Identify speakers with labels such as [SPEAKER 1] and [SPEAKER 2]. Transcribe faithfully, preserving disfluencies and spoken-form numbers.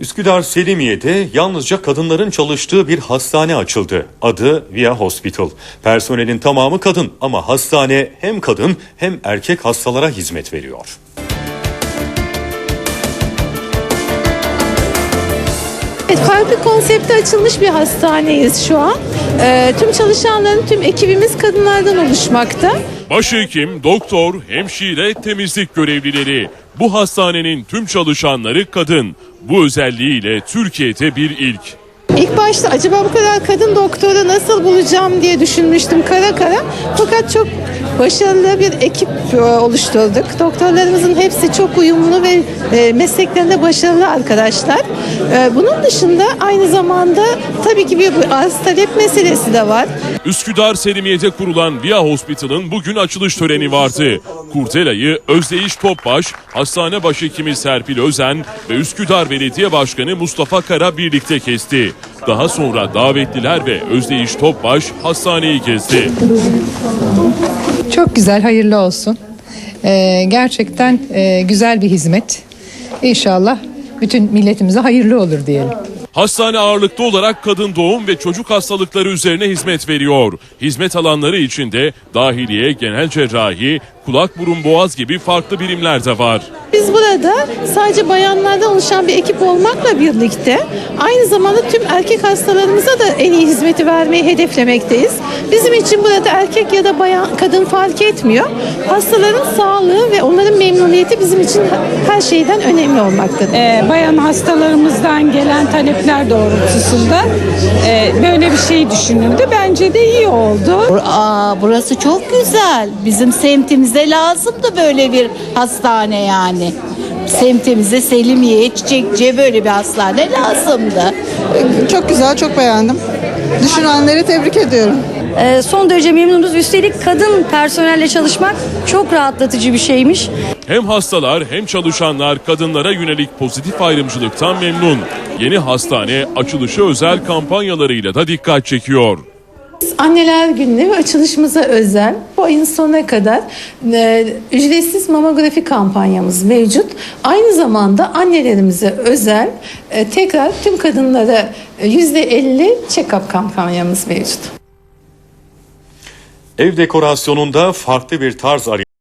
[SPEAKER 1] Üsküdar Selimiye'de yalnızca kadınların çalıştığı bir hastane açıldı. Adı Via Hospital. Personelin tamamı kadın ama hastane hem kadın hem erkek hastalara hizmet veriyor.
[SPEAKER 2] Evet, farklı konsepte açılmış bir hastaneyiz şu an. Ee, tüm çalışanların, tüm ekibimiz kadınlardan oluşmakta.
[SPEAKER 3] Başhekim, doktor, hemşire, temizlik görevlileri. Bu hastanenin tüm çalışanları kadın. Bu özelliğiyle Türkiye'de bir ilk.
[SPEAKER 2] İlk başta acaba bu kadar kadın doktoru nasıl bulacağım diye düşünmüştüm kara kara. Fakat çok başarılı bir ekip oluşturduk. Doktorlarımızın hepsi çok uyumlu ve mesleklerinde başarılı arkadaşlar. Bunun dışında aynı zamanda tabii ki bir arz talep meselesi de var.
[SPEAKER 3] Üsküdar Selimiye'de kurulan Via Hospital'ın bugün açılış töreni vardı. Kurtelayı Özdeyiş Topbaş, hastane başhekimi Serpil Özen ve Üsküdar Belediye Başkanı Mustafa Kara birlikte kesti. Daha sonra davetliler ve Özdeyiş Topbaş hastaneyi gezdi.
[SPEAKER 4] Çok güzel, hayırlı olsun. Ee, gerçekten e, güzel bir hizmet. İnşallah bütün milletimize hayırlı olur diyelim.
[SPEAKER 3] Hastane ağırlıklı olarak kadın doğum ve çocuk hastalıkları üzerine hizmet veriyor. Hizmet alanları içinde dahiliye, genel cerrahi, kulak burun boğaz gibi farklı birimler de var.
[SPEAKER 2] Biz burada sadece bayanlardan oluşan bir ekip olmakla birlikte aynı zamanda tüm erkek hastalarımıza da en iyi hizmeti vermeyi hedeflemekteyiz. Bizim için burada erkek ya da bayan, kadın fark etmiyor. Hastaların sağlığı ve onların memnuniyeti bizim için her şeyden önemli olmaktadır.
[SPEAKER 5] Ee, bayan hastalarımızdan gelen talepler doğrultusunda e, böyle bir şey düşünüldü. Bence de iyi oldu.
[SPEAKER 6] Aa, burası çok güzel. Bizim semtimize lazımdı böyle bir hastane yani. Semtimize, Selimiye, Çiçekçi'ye böyle bir hastane lazımdı.
[SPEAKER 7] Çok güzel, çok beğendim. Düşünenleri tebrik ediyorum.
[SPEAKER 8] Ee, son derece memnunuz. Üstelik kadın personelle çalışmak çok rahatlatıcı bir şeymiş.
[SPEAKER 3] Hem hastalar hem çalışanlar kadınlara yönelik pozitif ayrımcılıktan memnun. Yeni hastane açılışı özel kampanyalarıyla da dikkat çekiyor.
[SPEAKER 2] Anneler Günü'ne ve açılışımıza özel bu ayın sonuna kadar e, ücretsiz mamografi kampanyamız mevcut. Aynı zamanda annelerimize özel e, tekrar tüm kadınlara yüzde elli check-up kampanyamız mevcut.
[SPEAKER 1] Ev dekorasyonunda farklı bir tarz arıyor.